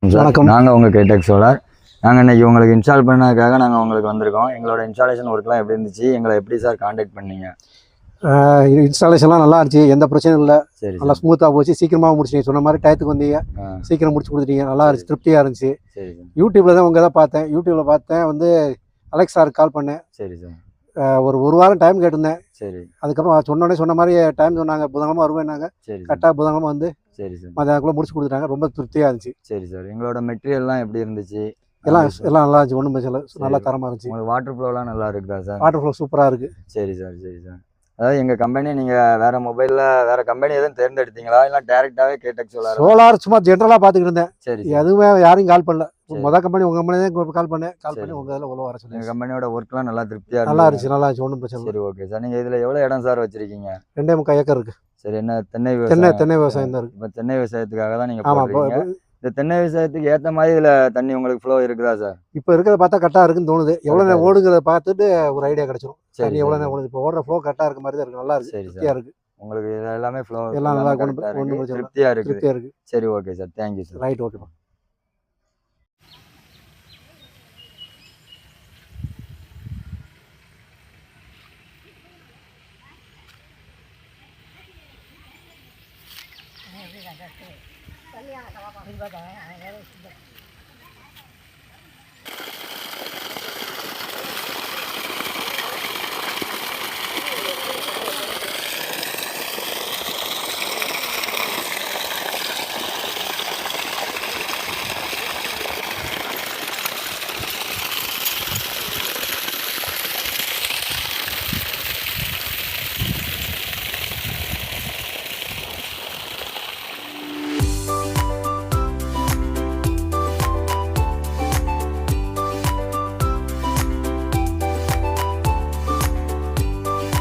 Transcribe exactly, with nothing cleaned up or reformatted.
வணக்கம். நாங்கள் உங்கள் கேடெக் சோலார். நாங்கள் இன்றைக்கி உங்களுக்கு இன்ஸ்டால் பண்ணதுக்காக நாங்கள் உங்களுக்கு வந்திருக்கோம். எங்களோட இன்ஸ்டாலேஷன் ஒர்க்லாம் எப்படி இருந்துச்சு, எங்களை எப்படி சார் காண்டாக்ட் பண்ணீங்க? இன்ஸ்டாலேஷன்லாம் நல்லா இருந்துச்சு, எந்த பிரச்சனையும் இல்லை. சரி, நல்லா ஸ்மூத்தாக போச்சு, சீக்கிரமாக முடிச்சிட்டீங்க. சொன்ன மாதிரி டயத்துக்கு வந்தீங்க, சீக்கிரம் முடிச்சு கொடுத்துட்டீங்க. நல்லா இருந்துச்சு, திருப்தியாக இருந்துச்சு. சரி, யூடியூப்பில் தான் உங்கள் தான் பார்த்தேன். யூடியூப்பில் பார்த்தேன் வந்து அலெக்ஸாருக்கு கால் பண்ணேன். சரி சார். ஒரு ஒரு வாரம் டைம் கேட்டிருந்தேன். சரி. அதுக்கப்புறம் சொன்னோடனே சொன்ன மாதிரி டைம் சொன்னாங்க, புதன்கிழமை வருவேன்னாங்க. சரி. கரெக்டாக புதன்கிழமை வந்து சரி சார் மதியானக்குள்ளே முடிச்சு கொடுத்துட்டாங்க. ரொம்ப திருப்தியாக இருந்துச்சு. சரி சார். எங்களோட மெட்டீரியல்லாம் எப்படி இருந்துச்சு? எல்லாம் எல்லாம் நல்லா இருந்துச்சு, ஒன்றும் பிரச்சனை இல்லை, நல்லா தரமாக இருந்துச்சு. உங்களுக்கு வாட்டர் ஃப்ளோலாம் நல்லா இருக்குதா சார்? வாட்டர் ஃப்ளோ சூப்பராக இருக்குது. சரி சார். சரி சார். அதாவது எங்கள் கம்பெனி நீங்கள் வேறு மொபைலில் வேறு கம்பெனி எதுவும் தேர்ந்தெடுத்தீங்களா, இல்லை டேரெக்டாகவே கேடெக் சோலார்? சோலார் சும்மா ஜென்ரலாக பார்த்துக்கிட்டு இருந்தேன். சரி. எதுவுமே யாரையும் கால் பண்ணல. மொதல் கம்பெனி உங்கள் கம்பெனி தான் கால் பண்ணேன். கால் பண்ணி உங்கள் இதில் உள்ள வர சொல்லி. எங்கள் கம்பெனியோட ஒர்க்லாம் நல்லா திருப்தியாக நல்லா இருந்துச்சு, நல்லா இருந்துச்சு, ஒன்றும் பிரச்சனை இல்லை. சரி, ஓகே சார். நீங்கள் இதில் எவ்வளோ இடம் சார் வச்சுருக்கீங்க? ரெண்டே முக்கால் ஏக்கர் இருக்குது. சரி. என்ன தென்னை தென்னை விவசாயம்? தென்னை விவசாயம் தான் இருக்குது. இப்போ தென்னை விவசாயத்துக்காக தான் நீங்கள் ஆமாம். போடுறீங்க. இந்த தென்னை விவசாயத்துக்கு ஏற்ற மாதிரி இதில் தண்ணி உங்களுக்கு ஃப்ளோ இருக்குதா சார்? இப்போ இருக்கிறத பார்த்தா கரெக்டாக இருக்குன்னு தோணுது. எவ்வளோ நேரம் ஓடுங்கிறத பார்த்துட்டு ஒரு ஐடியா கிடச்சிரும். சரி, எவ்வளோ நேரம் ஓடுது. இப்போ ஓடுற ஃப்ளோ கரெக்டாக இருக்க மாதிரி தான் இருக்குது. நல்லா இருக்குது, திருப்தியாக இருக்குது. உங்களுக்கு இது எல்லாமே ஃப்ளோ எல்லாம் நல்லா ஒன்றும் பிரச்சனை திருப்தியாக இருக்குது. திருப்தியாக இருக்குது. சரி, okay sir. Thank you sir. Right, ஓகேப்பா. Kalian